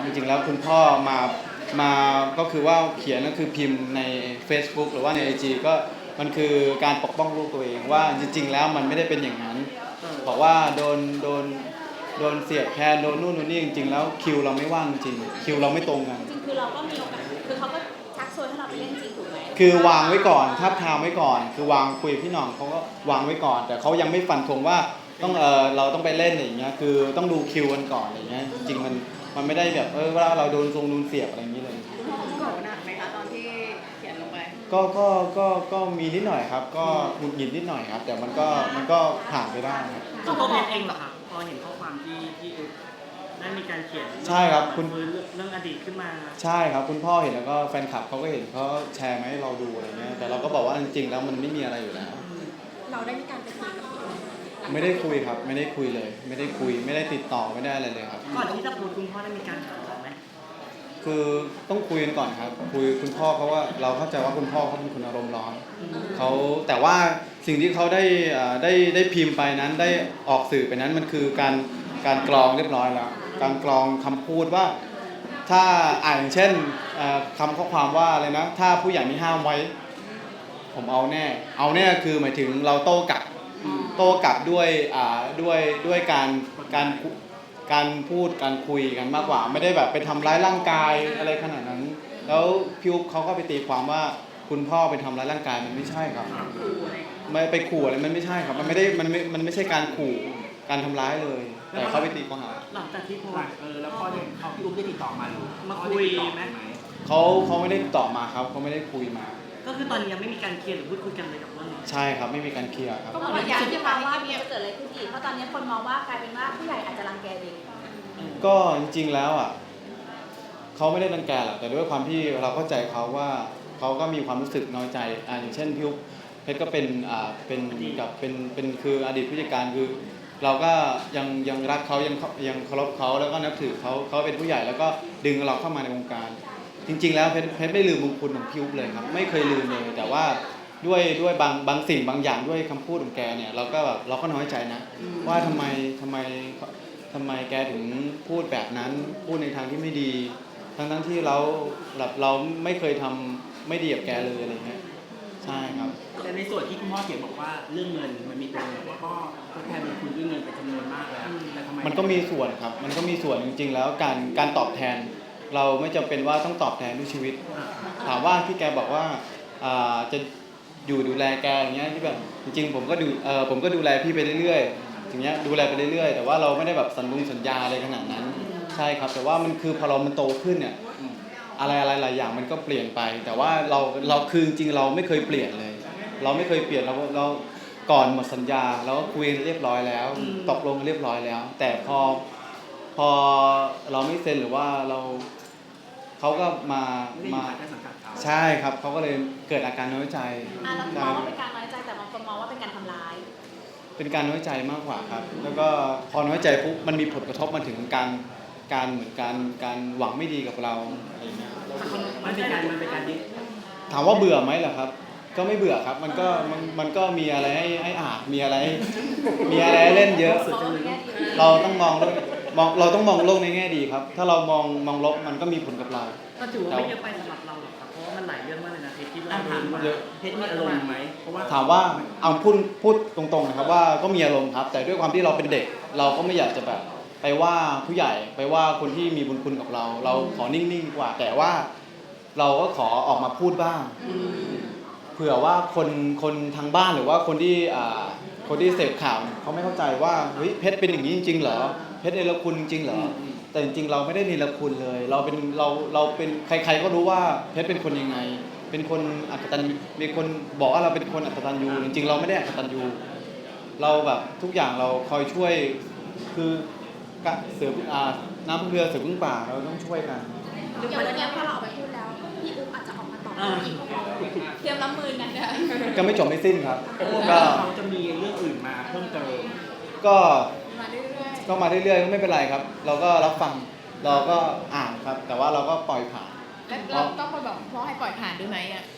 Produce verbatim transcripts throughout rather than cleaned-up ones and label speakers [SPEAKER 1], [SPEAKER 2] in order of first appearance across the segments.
[SPEAKER 1] จริงๆแล้วคุณพ่อมามาก็คือว่าเขียนก็คือพิมพ์ใน Facebook หรือว่าใน ไอ จี ก็มันคือการปกป้องลูกตัวเองว่าจริงๆแล้วมันไม่ได้เป็นอย่างนั้นบอกว่าโดนโดนโดนเสียบแคนโดนนู่นโดนนี่จริงๆแล้วคิวเราไม่ว่างจริงคิวเราไม่ตรงกัน
[SPEAKER 2] จริงคือเราก็มีโอกาสคือเขาก็ชักชวนให้เราไปเล่นจริงถูกไหม
[SPEAKER 1] คือวางไว้ก่อนทับทามไว้ก่อน คือวางคุยพี่น้องเขาก็วางไว้ก่อน แต่เขายังไม่ฟันธงว่าต้องเออเราต้องไปเล่นอย่างเงี้ยคือต้องดูคิวกันก่อนอย่างเงี้ยจริงๆมันมันไม่ได้แบบเออว่าเราโดนทรงโดนเสียบอะไรอย่างนี้เลย
[SPEAKER 3] โกรธหนักไหมคะตอนที่เขียนลงไป
[SPEAKER 1] ก็ก็ก็ก็มีนิดหน่อยครับก็หงุดหงิดนิดหน่อยครับแต่มันก็มันก็ผ่านไปได้ครับ
[SPEAKER 4] ตัวพ่อเองเหรอคะพอเห็นข้อความที่ที่ได้มีการเขียน
[SPEAKER 1] ใช่ครับคุณ
[SPEAKER 4] เรื่องอดีตขึ้นมา
[SPEAKER 1] ใช่ครับคุณพ่อเห็นแล้วก็แฟนคลับเขาก็เห็นเขาแชร์มาให้เราดูอะไรเงี้ยแต่เราก็บอกว่าจริงๆแล้วมันไม่มีอะไรอยู่แล้ว
[SPEAKER 2] เราได้มีการไปคุยกับพี่
[SPEAKER 1] ไม่ได้คุยครับไม่ได้คุยเลย ไม่ได้คุยไม่ได้ติดต่อไม่ได้อะไรเลยครับ
[SPEAKER 4] ก่อนที่จะพูดคุณพ่อได้มีการถามเราไหม
[SPEAKER 1] คือต้องคุยกันก่อนครับคุยคุณพ่อเขาว่าเราเข้าใจว่าคุณพ่อเขาเป็นคนอารมณ์ร้อนเขาแต่ว่าสิ่งที่เขาได้ได้ได้พิมพ์ไปนั้นได้ออกสื่อไปนั้นมันคือการการกรองเรียบร้อยแล้วการกรองคำพูดว่าถ้าอ่านเช่นคำข้อความว่าอะไรนะถ้าผู้ใหญ่ไม่ห้ามไว้ผมเอาแน่เอาแน่คือหมายถึงเราโต้กลับโต้กลับด้วยอ่าด้วยด้วยการการการพูดการคุยกันมากกว่าไม่ได้แบบไปทำร้ายร่างกายอะไรขนาดนั้นแล้วพี่อุ๊บเขาก็ไปตีความว่าคุณพ่อไปทำร้ายร่างกายมันไม่ใช่ครับไม่ไปขู่อะไรมันไม่ใช่ครับมันไม่ได้มันไม่มันไม่ใช่การขู่การทำร้ายเลยแต่เขาไปตีข้อหา
[SPEAKER 4] หลังจากที่โพส
[SPEAKER 5] เออแล้วพ่อเนี่ยเขาพี่อุ๊บได้ติดต่อมาหรือ
[SPEAKER 4] มาคุยไหม
[SPEAKER 1] เขาเขาไม่ได้ติดต่อมาครับเขาไม่ได้คุยมา
[SPEAKER 4] ก็คือตอนนี้ยังไม่มีการเคลียร์หรือพูดคุยกันเลยกับเรื่องนี้
[SPEAKER 1] ใช่ครับไม่มีการเคลียร์ครับ
[SPEAKER 2] ก็เหมือนว่าอยากที่ฟังว่าจะเกิดอะไรขึ้นอีกเพราะตอนนี้คนมองว่ากลายเป็นว่าผู้ใหญ่อาจจะรังแกเด็ก
[SPEAKER 1] ก็จริงๆแล้วอ่ะเขาไม่ได้รังแกหรอกแต่ด้วยความที่เราเข้าใจเขาว่าเขาก็มีความรู้สึกน้อยใจอ่าอย่างเช่นพี่อุ๊บเพชรก็เป็นอ่าเป็นกับเป็นเป็นคืออดีตผู้จัดการคือเราก็ยังยังรักเขายังยังเคารพเขาแล้วก็นับถือเขาเขาเป็นผู้ใหญ่แล้วก็ดึงเราเข้ามาในวงการจริงๆแล้วเพชรเพชรไม่ลืมบุญคุณของพี่อุ๊บเลยครับไม่เคยลืมเลยแต่ว่าด้วยด้วยบางบางสิ่งบางอย่างด้วยคำพูดของแกเนี่ยเราก็แบบเราก็น้อยใจนะว่าทำไมทำไมทำไมแกถึงพูดแบบนั้นพูดในทางที่ไม่ดีทั้งทั้งที่เราแบบเราไม่เคยทำไม่ดีกับแกเลยอะไรเงี้ยใช่ครับ
[SPEAKER 5] แต่ในส่วนที่คุณพ่อเขียนบอกว่าเรื่องเงินมันมีตัวเงินว่าพ่อก็แทนบุญคุณด้วยเงินไปจำนวนมากแล้วแต่ทำไม
[SPEAKER 1] มันก็มีส่วนครับมันก็มีส่วนจริงๆแล้วการการตอบแทนเราไม่จำเป็นว่าต้องตอบแทนด้วยชีวิตถามว่าที่แกบอกว่าจะอยู่ดูแลแกอย่างเงี้ยที่แบบจริงๆผมก็ดูเออผมก็ดูแลพี่ไปเรื่อยๆอย่างเงี้ยดูแลไปเรื่อยๆแต่ว่าเราไม่ได้แบบสัญญงสัญญาอะไรขนาดนั้นใช่ครับแต่ว่ามันคือพอเรามันโตขึ้นเนี่ยอะไรอะไรหลายอย่างมันก็เปลี่ยนไปแต่ว่าเราเราคือจริงๆเราไม่เคยเปลี่ยนเลยเราไม่เคยเปลี่ยนเราเราก่อนหมดสัญญาเราก็คุยเรียบร้อยแล้วตกลงเรียบร้อยแล้วแต่พอพอเราไม่เซ็นหรือว่าเราเขาก็มามาใช่ครับเขาก็เลยเกิดอาการน้อยใจ
[SPEAKER 2] อ่ะเรามองว่าเป็นการน้อยใจแต่บางคนมองว่าเป็นการทำร้าย
[SPEAKER 1] เป็นการน้อยใจมากกว่าครับแล้วก็พอน้อยใจปุ๊บมันมีผลกระทบมาถึงการการเหมือนการการหวังไม่ดีกับเราอะไรเงี้ย
[SPEAKER 5] มันเป็นการมันเป็นการดิ้น
[SPEAKER 1] ถามว่าเบื่อไหมเหรอครับก็ไม่เบื่อครับมันก็มันมันก็มีอะไรให้ให้อ่านมีอะไรมีอะไรเล่นเยอะเราต้องมองมองเราต้องมองโลกในแง่ดีครับถ้าเรามองมองลบมันก็มีผลกับเรา
[SPEAKER 4] ก็ถือว่าไม่เยอะไปสำหรับเราหรอกครับเพราะว่ามันหลายเรื่องมากเลยนะเพชรที่เราถามว่า
[SPEAKER 5] เพชรมีอารมณ์ไหมเพราะว่า
[SPEAKER 1] ถามว่าเอาพูดพูดตรงๆนะครับว่าก็มีอารมณ์ครับแต่ด้วยความที่เราเป็นเด็กเราก็ไม่อยากจะแบบไปว่าผู้ใหญ่ไปว่าคนที่มีบุญคุณกับเราเราขอนิ่งๆดีกว่าแต่ว่าเราก็ขอออกมาพูดบ้างเผื่อว่าคนคนทางบ้านหรือว่าคนที่อ่าคนที่เสพข่าวเขาไม่เข้าใจว่าเฮ้ยเพชรเป็นอย่างนี้จริงๆเหรอเพชรเนรคุณจริงๆเหรอแต่จริงๆเราไม่ได้เนรคุณเลยเราเป็นเราเราเป็นใครๆก็รู้ว่าเพชรเป็นคนยังไงเป็นคนอักตันมีคนบอกว่าเราเป็นคนอักตันยูจริงๆเราไม่ได้อักตันยูเราแบบทุกอย่างเราคอยช่วยคือเสืออ่าน้ำพึ่งเรือเสือพึ่งป่าเราต้องช่วยกัน
[SPEAKER 2] อย่างวันนี้พอเราออกไปพูดแล้วพี่อุ๊บอาจจะออกมาตอบอีกเตรียมรับมือกันนะ
[SPEAKER 1] ก็ไม่จบไม่สิ้นครับ
[SPEAKER 5] ก็เขาจะมีเรื่องอื่นมาเพิ่มเติม
[SPEAKER 1] ก็ก็มาเรื่อยๆก็ไม่เป็นไรครับเราก็รับฟังเราก็อ่านครับแต่ว่าเราก็ปล่อยผ่าน
[SPEAKER 3] แล้วเราต้องไปบอกพ่อให้ปล่อยผ่านด้วยไหมอ่ะ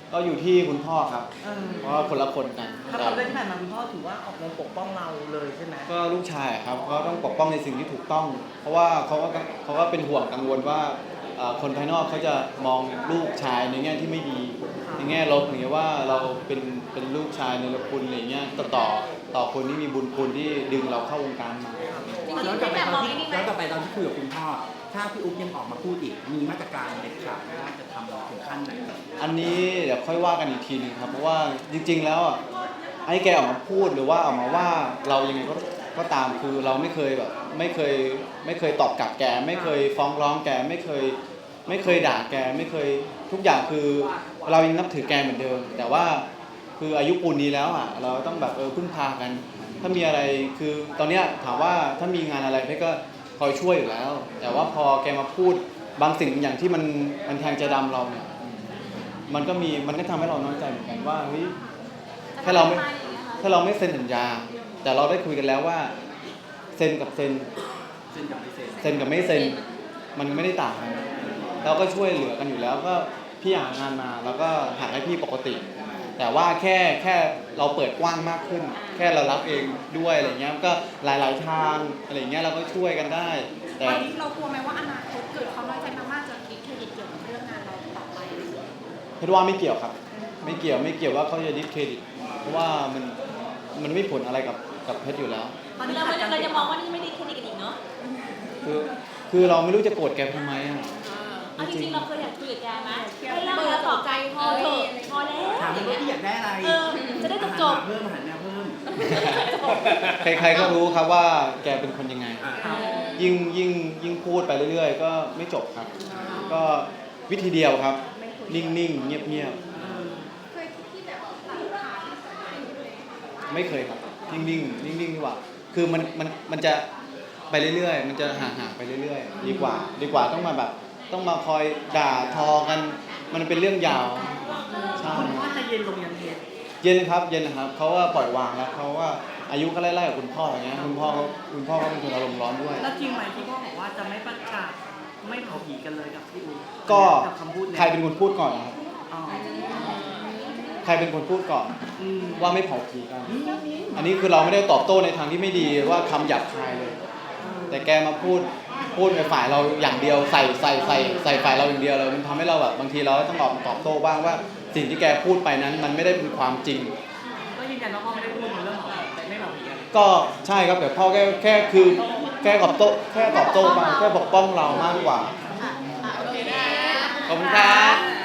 [SPEAKER 1] ก็อยู่ที่คุณพ่อครับ
[SPEAKER 4] เออ
[SPEAKER 1] เพราะว่าคนละคนกัน
[SPEAKER 4] ถ้าเราเล่นที่ผ่านมาคุณพ่อถือว่าออกแรงปกป้องเราเลยใช่ไหม
[SPEAKER 1] ก็ลูกชายครับก็ต้องปกป้องในสิ่งที่ถูกต้อง เพราะว่าเขาก็เขาก็เป็นห่วงกังวลว่าเอ่อคนภายนอกเขาจะมองลูกชายในแง่ที่ไม่ดี ในแง่ลบอย่างเงี้ยว่าเราเป็นเป็นลูกชายในรคุณอะไรเงี้ยต่อต่อต่อคนที่มีบุญคุณที่ดึงเราเข้าวงการมา
[SPEAKER 5] ย้อนกลับไปตอนที่ย้อนกลับไปตอนที่คุยกับคุณพ่อ ถ้าพี่อุ๊บยังออกมาพูดอีก มีมาตรการเด็ดขาดว่าจะทำเราถึงขั้นไหน
[SPEAKER 1] อันนี้เดี๋ยวค่อยว่ากันอีกทีหนึงครับเพราะว่าจริง ๆ แล้วอ่ะไอ้แกออกมาพูดหรือว่าออกมาว่าเรายังไงก็ก็ตามคือเราไม่เคยแบบไม่เคยไม่เคยตอบกลับแก ไม่เคยฟ้องร้องแกไม่เคยไม่เคยด่าแกไม่เคยทุกอย่างคือเรายังนับถือแกเหมือนเดิม แต่ว่าคืออายุปูนนี้แล้วอ่ะเราต้องแบบเออพึ่งพากัน ถ้ามีอะไรคือตอนเนี้ยถามว่าถ้ามีงานอะไรเพชรก็คอยช่วยอยู่แล้ว แต่ว่าพอแกมาพูดบางสิ่งอย่างที่มันมันแทงใจดำเราเนี่ยมันก็มีมันก็ทำให้เราน้อยใจเหมือนกันว่าเฮ้ยถ้าเราไม่ถ้าเราไม่เซ็นสัญญา แต่เราได้คุยกันแล้วว่าเซ็นกับเซ็น
[SPEAKER 5] เซ็นกับไม่เซ็น
[SPEAKER 1] เซ็นกับไม่เซ็นมันไม่ได้ต่างกันเราก็ช่วยเหลือกันอยู่แล้วก็พี่หางานมาแล้วก็หาให้พี่ปกติ แต่ว่าแค่แค่เราเปิดกว้างมากขึ้น แค่เรารับเองด้วยอะไรเงี้ยก็หลาย ๆ ทางอะไรเงี้ยเราก็ช่วยกันได้ แต่
[SPEAKER 2] ตอนนี้เรากลัวไหมว่าอนาคตเกิดความน้อยใจมากๆจะดิสเครดิตเกี่ยวกับเรื่องงานเราต่อไป
[SPEAKER 1] เพชรว่าไม่เกี่ยวครับ ไม่เกี่ยวไม่เกี่ยวว่าเขาจะดิสเครดิตเพราะว่ามันมันไม่ผลอะไรกับกับเพชรอยู่แล้ว
[SPEAKER 2] ตอนนี้เราเราจะมองว่านี่ไม่ได้เครดิตกันอีกเนาะ
[SPEAKER 1] คือคือเราไม่รู้จะโกรธแกทำไมอ่ะ
[SPEAKER 2] เอาจริงๆเราเคยอยากคุยกับแกไหมให้เล่าแล้วต่อใจพอเถอะพอแล้ว
[SPEAKER 5] ถามเลยว่าพี่อยากได้อะไร
[SPEAKER 2] เออจะได้จบจบ
[SPEAKER 5] อาหารเพิ่มอาหารแนวเพิ่ม
[SPEAKER 1] ใครๆก็รู้ครับว่าแกเป็นคนยังไง
[SPEAKER 5] อ่า
[SPEAKER 1] ยิ่งยิ่งยิ่งพูดไปเรื่อยๆ ก็ไม่จบครับ ก็วิธีเดียวครับ นิ่งๆ เงียบ
[SPEAKER 2] เคยคิดที่แบบตัดขาด
[SPEAKER 1] ๆ ไม่เคยครับนิ่งๆนิ่งๆดีกว่า คือมันมันมันจะไปเรื่อยๆ มันจะห่างๆไปเรื่อยๆ ดีกว่า ดีกว่าต้องมาแบบต้องมาคอยด่าทอกัน มันเป็นเรื่องยาวใช่
[SPEAKER 4] คุณพ่อจะเย็นลงยันเทส
[SPEAKER 1] เย็นครับเย็นนะครับเขาว่าปล่อยวางแล้วเขาว่าอายุก็ไล่ๆกับคุณพ่ออย่างเงี้ยคุณพ่อเขาคุณพ่อเขาเป็นคนอารมณ์ร้อนด้วย
[SPEAKER 4] แล้วจริงไหมที่พ่อบอกว่าจะไม่ประกาศไม่เผาผีกันเลยกับพี่อู
[SPEAKER 1] ก็
[SPEAKER 4] กับคำพูดเนี่ย
[SPEAKER 1] ใครเป็นคนพูดก่อนครับ
[SPEAKER 4] อ๋อ
[SPEAKER 1] ใครเป็นคนพูดก่อน
[SPEAKER 4] อืม
[SPEAKER 1] ว่าไม่เผาผีกัน อันนี้คือเราไม่ได้ตอบโต้ในทางที่ไม่ดีว่าคำหยาบคายเลย แต่แกมาพูดพูดในฝ่ายเราอย่างเดียวใส่ใส่ใส่ใส่ฝ่ายเราอย่างเดียวเลยมันทำให้เราแบบบางทีเราต้องออกมาตอบโต้บ้างว่าสิ่งที่แกพูดไปนั้นมันไม่ได้เป็นความจริง
[SPEAKER 4] ก็ยืนยันว่าพ่อไม่ได้พูดในเรื่องของไม่เผาผีกัน
[SPEAKER 1] ก็ใช่ครับแต่พ่อแค่แค่คือแค่ตอบโต้แค่ตอบโต้ไปแค่ปกป้องเรามากกว่า
[SPEAKER 2] โอเคนะ
[SPEAKER 1] ขอบคุณครับ